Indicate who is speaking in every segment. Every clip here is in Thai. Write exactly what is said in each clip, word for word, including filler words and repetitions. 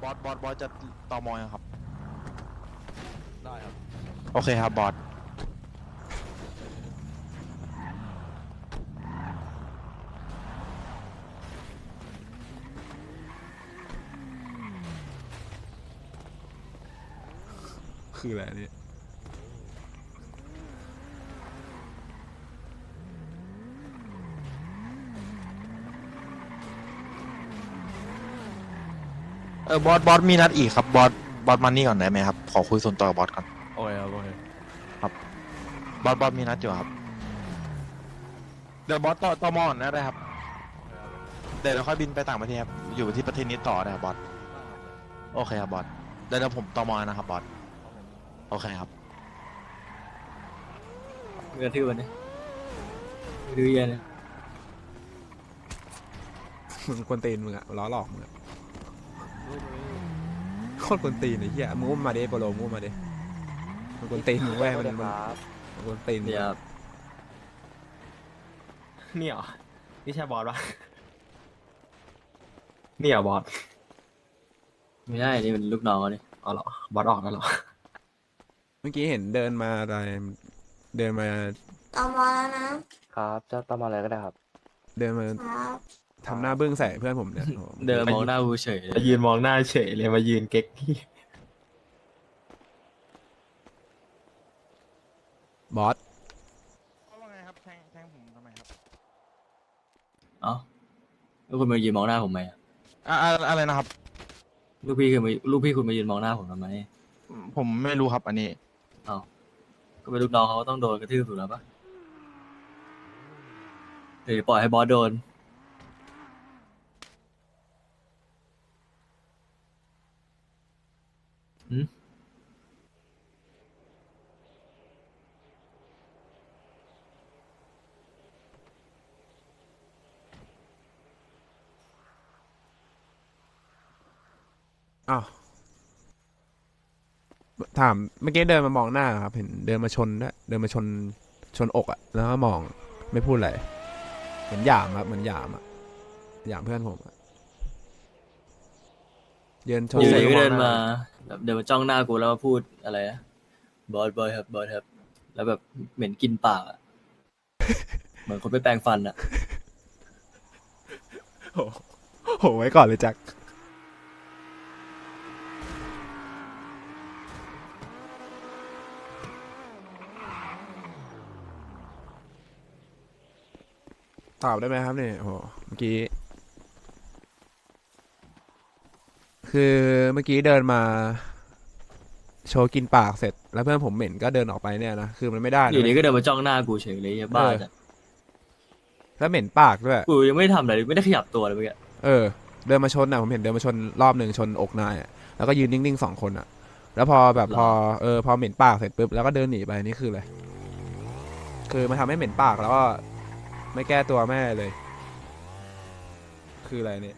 Speaker 1: บอสบอสบอสจะตอมอยังครับ
Speaker 2: ได้ครับ
Speaker 1: โอเคครับบอส
Speaker 2: คืออะไรเนี่ย
Speaker 1: เออบอสบอสมีนัดอีกครับบอสบอสมานี่ก่อนได้ไหมครับขอคุยส่วนตัวกับบอสก่อน
Speaker 2: โอเคครับโอเค
Speaker 1: บอสบอสมีนัดอยู่ครับเดี๋ยวบอสต่อตอมอก่อนนะได้ครับเดี๋ยวเราค่อยบินไปต่างประเทศครับอยู่ที่ประเทศนี้ต่อนะครับบอสโอเคครับบอสเดี๋ยวเดี๋ยวผมตอมอนะครับบอสโอเคครับ
Speaker 3: มึงกระทืบมันดิดื้อเย็นเลย
Speaker 2: มึงกวนตีนมึงอะล้อหลอกมึงอะโคตรกวนตีนไอ้เหี้ยมึงอุ้มมาดิโปโลมึงอุ้มมาดิมึงกวนตีนมึงแว่มันมันมึงกวนตีนมึง
Speaker 3: เดี๋ยว
Speaker 4: นี่เหรอนี่ใช่บอสปะนี่เหรอบอส
Speaker 3: ไม่ได้นี่เป็นลูกน้องเขานี่
Speaker 4: อ๋อเหรอบอสออกแล้วเหรอ
Speaker 2: เมื่อกี้เห็นเดินมาอะไรเดินมา
Speaker 5: ตอมอแล้วนะครับ
Speaker 6: จะต้องมาอะไรก็ได้ครับ
Speaker 2: เดินมา
Speaker 5: ครับ
Speaker 2: ทำหน้าบึ้งใส่เพื่อนผมเนี่ยโอ้โห
Speaker 3: เดินมองหน้ากูเฉยเล
Speaker 4: มาย ยืนมองหน้าเฉยเลยมายืนเก๊กที่
Speaker 2: บอส
Speaker 1: ว่าไงครับแทงแทงผมทำไมครับ
Speaker 3: เอ้าแล้วคุณมายืนมองหน้าผมไหมอะ
Speaker 1: อ่าอ่าอะไรนะครับ
Speaker 3: ลูกพี่คือมาลูกพี่คุณมายืนมองหน้าผมทำไม
Speaker 1: ผมไม่รู้ครับอันนี้
Speaker 3: เอ้าก็เป็นลูกน้องเขาก็ต้องโดนกระทืบถูกแล้วปะหรือปล่อยให้บอสโดนหืม
Speaker 2: อ้าวถามเมื่อกี้เดินมามองหน้าครับเห็นเดินมาชนด้วยเดินมาชนชนอกอะแล้วก็มองไม่พูดอะไรเหมือนหยามครับเหมือนหยามอะหยามเพื่อนผมอะเดินชน
Speaker 3: อยู่
Speaker 2: ใส่
Speaker 3: ดีก็
Speaker 2: หัว
Speaker 3: เดินมาแบบเดินมาจ้องหน้ากูแล้วมาพูดอะไรนะบอสบอสครับบอสครับแล้วแบบเหม็นกินปากอะ เหมือนคนไปแปรงฟันอะ
Speaker 2: โอ้โหไว้ก่อนเลยแจ็คตอบได้ไหมครับเนี่ยโอ้โหเมื่อกี้ คือเมื่อกี้เดินมา โชว์กินปากเสร็จ แล้วเพื่อนผมเหม็นก็เดินออกไปเนี่ยนะคือมันไม่ได้นะ
Speaker 3: อยู่ดีก็เดินมาจ้องหน้ากูเฉยเลยอย่าบ้าจ้ะ
Speaker 2: แล้วเหม็นปากด้วย
Speaker 3: กูยังไม่ได้ทำอะไรเลยไม่ได้ขยับตัวเลยเมื่อกี้
Speaker 2: เออ เดินมาชนอ่ะผมเห็นเดินมาชนรอบหนึ่งชนอกนายอ่ะแล้วก็ยืนนิ่งๆสองคนอ่ะ แล้วพอแบบพอเออพอเหม็นปากเสร็จปุ๊บแล้วก็เดินหนีไปนี่คืออะไรคือมันทำให้เหม็นปากแล้วก็ไม่แก้ตัวแม่เลย คืออะไรเนี่ย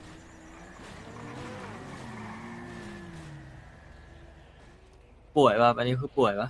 Speaker 3: ป่วยป่ะอันนี้คือป่วยป่ะ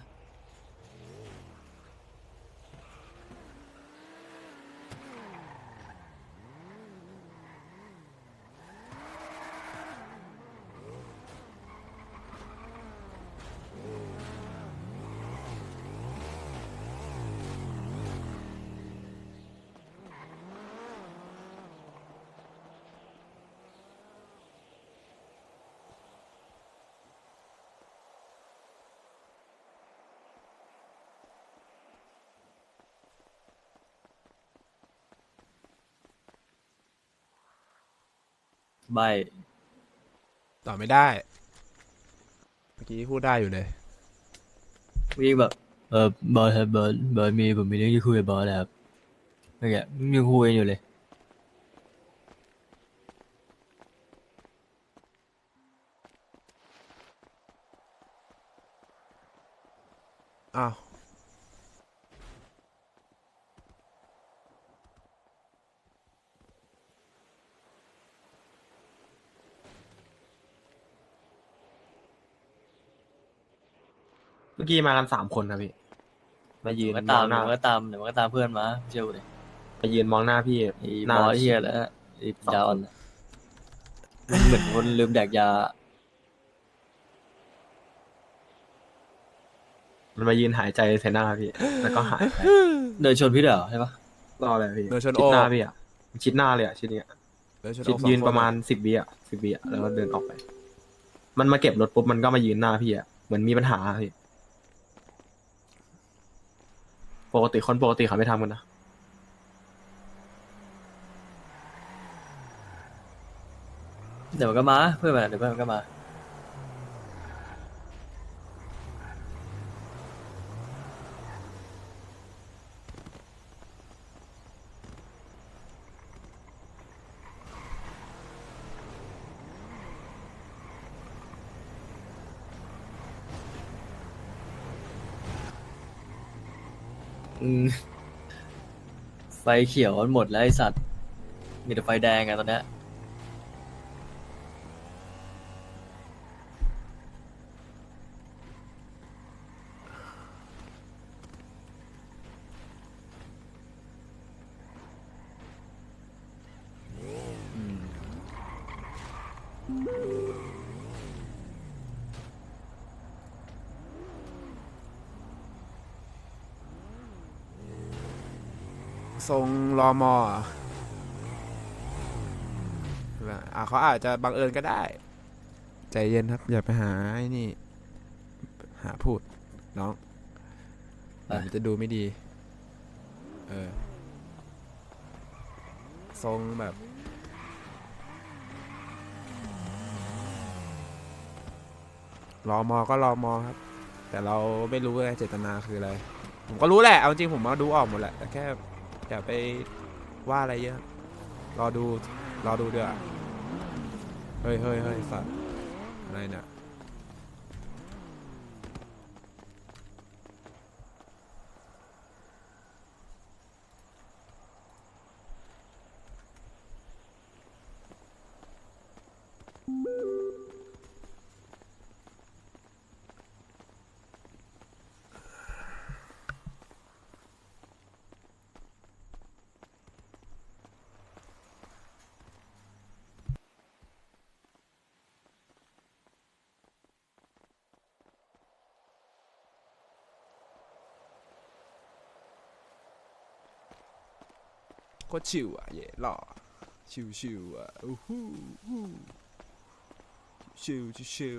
Speaker 3: ใบ
Speaker 2: ต่อไม่ได้ เมื่อกี้พูดได้อยู่เลย
Speaker 3: วิ่งแบบเออบอสครับบอสบอสมีผมมีเรื่องที่คุยกับบอสแล้วครับเมื่อกี้ยังคุยกันอยู่เลย
Speaker 2: อ้าว
Speaker 4: เมื่อกี้มากันสามคนครับพี่มายืน
Speaker 3: มันก็
Speaker 4: ม
Speaker 3: ตา
Speaker 4: อ
Speaker 3: ม
Speaker 4: งห
Speaker 3: เดี๋
Speaker 4: น้า
Speaker 3: ยวมันก็ตามเดี๋ยวมันก็ตามเพื่อนมาเชื่อกูเลย
Speaker 4: มายืนมองหน้าพี่
Speaker 3: ไอ้
Speaker 4: หน้า
Speaker 3: บอสเฮียแล้วไอ้ปัญญาอ่อนน่ะมันเหมือนคนลืมแดกยา
Speaker 4: มันมายืนหายใจใส่หน้าพี่ แล้วก็หายไป
Speaker 3: เดินชนพี่เด้อใช่ปะ
Speaker 4: รอเลยพี่
Speaker 2: เดินชน
Speaker 4: ชิด
Speaker 2: โอ
Speaker 4: หน้าพี่อ่ะชิดหน้าเลยอ่ะชิดเนี้ย
Speaker 2: เดินชน
Speaker 4: ชิ
Speaker 2: โอ
Speaker 4: ด
Speaker 2: สอง
Speaker 4: ยืน
Speaker 2: ค
Speaker 4: ประมาณสิบวิอ่ะสิบวิอ่ะแล้วก็เดินออกไป มันมาเก็บรถปุ๊บมันก็มายืนหน้าพี่อ่ะเหมือนมีปัญหาอะพี่ปกติคนปกติเขาไม่ทำกันนะ
Speaker 3: เดี๋ยวมันก็มาเพื่อนมันเดี๋ยวเพื่อนมันก็มา อืมไฟเขียวมันหมดแล้วไอสัตว์มีแต่ไฟแดงอะตอนเนี้ย
Speaker 2: อืมทรงรอมอเหรออ่ะเขาอาจจะบังเอิญก็ได้ ใจเย็นครับ อย่าไปหาไอ้นี่ หาพูด น้อง
Speaker 3: ไป
Speaker 2: มันจะดูไม่ดี เออ ทรงแบบ รอมอก็รอมอครับ แต่เราไม่รู้ว่าเจตนาคืออะไร ผมก็รู้แหละ เอาจริงผมมาดูออกหมดแหละ แต่แค่อย่าไปว่าอะไรเยอะ รอดู รอดูเดี๋ยวาเฮ้ยเฮ้ยเฮ้ยสัตว์อะไรเนี่ยโคตรชิวอ่ะเย่หล่อชิวชิวอ่ะอู้หูอู้ชิวชิวชิว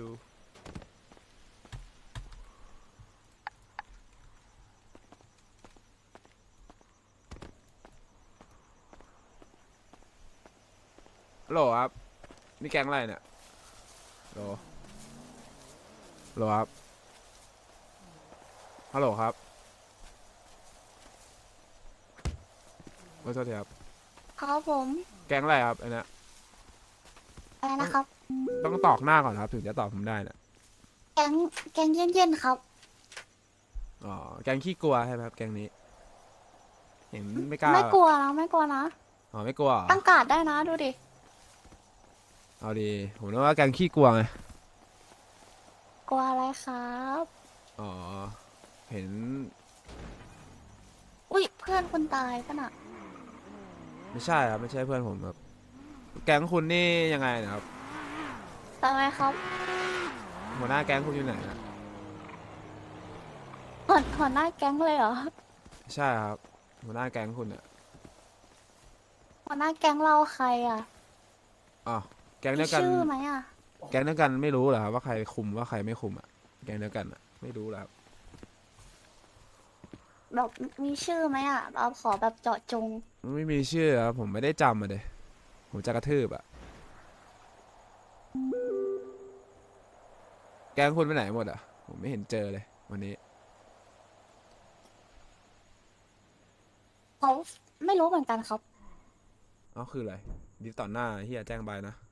Speaker 2: ฮัลโหลครับนี่แก๊งอะไรเนี่ยฮัลโหลฮัลโหลครับฮัลโหลครับขอโทษทีครับ
Speaker 5: ครับผม
Speaker 2: แก๊งอะไรครับอันเนี้ย
Speaker 5: อะไรนะครับ
Speaker 2: ต้องตอกหน้าก่อนครับถึงจะตอบผมได้นะ
Speaker 5: แกงแกงเย็นๆครับ
Speaker 2: อ๋อแก๊งขี้กลัวใช่ไหมครับแก๊งนี้ เห็นไม่กล้า
Speaker 5: ไม่กลัวนะไม่กลัวนะ
Speaker 2: อ๋อไม่กลัวเหรอ
Speaker 5: ตั้งการ์ดได้นะดูดิ
Speaker 2: เอาดีผมนึกว่าแก๊งขี้กลัวไง
Speaker 5: กลัวอะไรครับ
Speaker 2: อ๋อเห็น
Speaker 5: อุ้ยเพื่อนคุณตายปะน่ะ
Speaker 2: ไม่ใช่ครับไม่ใช่เพื่อนผมครับแก๊งคุณนี่ยังไงนะครับ
Speaker 5: ตายไหมครับ
Speaker 2: หัวหน้าแก๊งคุณอยู่ไหนนะ
Speaker 5: หัวหัวหน้าแก๊งเลยเหรอ
Speaker 2: ไม่ใช่ครับหัวหน้าแก๊งคุณอ่ะ
Speaker 5: หัวหน้าแก๊งเราใครอ่ะ
Speaker 2: อ๋อแก๊ง
Speaker 5: มี
Speaker 2: เดียวกัน
Speaker 5: ชื่อไหมอ่ะ
Speaker 2: แก๊งเดียวกันไม่รู้เหรอครับว่าใครคุมว่าใครไม่คุมอ่ะแก๊งเดียวกันอ่ะไม่รู้เหรอครับ
Speaker 5: แบบมีชื่อไหมอ่ะ เราขอแบบเจาะจง
Speaker 2: ไม่มีชื่อครับผมไม่ได้จำมาเลยผมจะกระทืบอ่ะแก๊งคุณไปไหนหมดอ่ะผมไม่เห็นเจอเลยวันนี้
Speaker 5: เขาไม่รู้เหมือนกันครับ
Speaker 2: อ๋อคืออะไรดิสต่อหน้าเฮียแจ้งใบนะ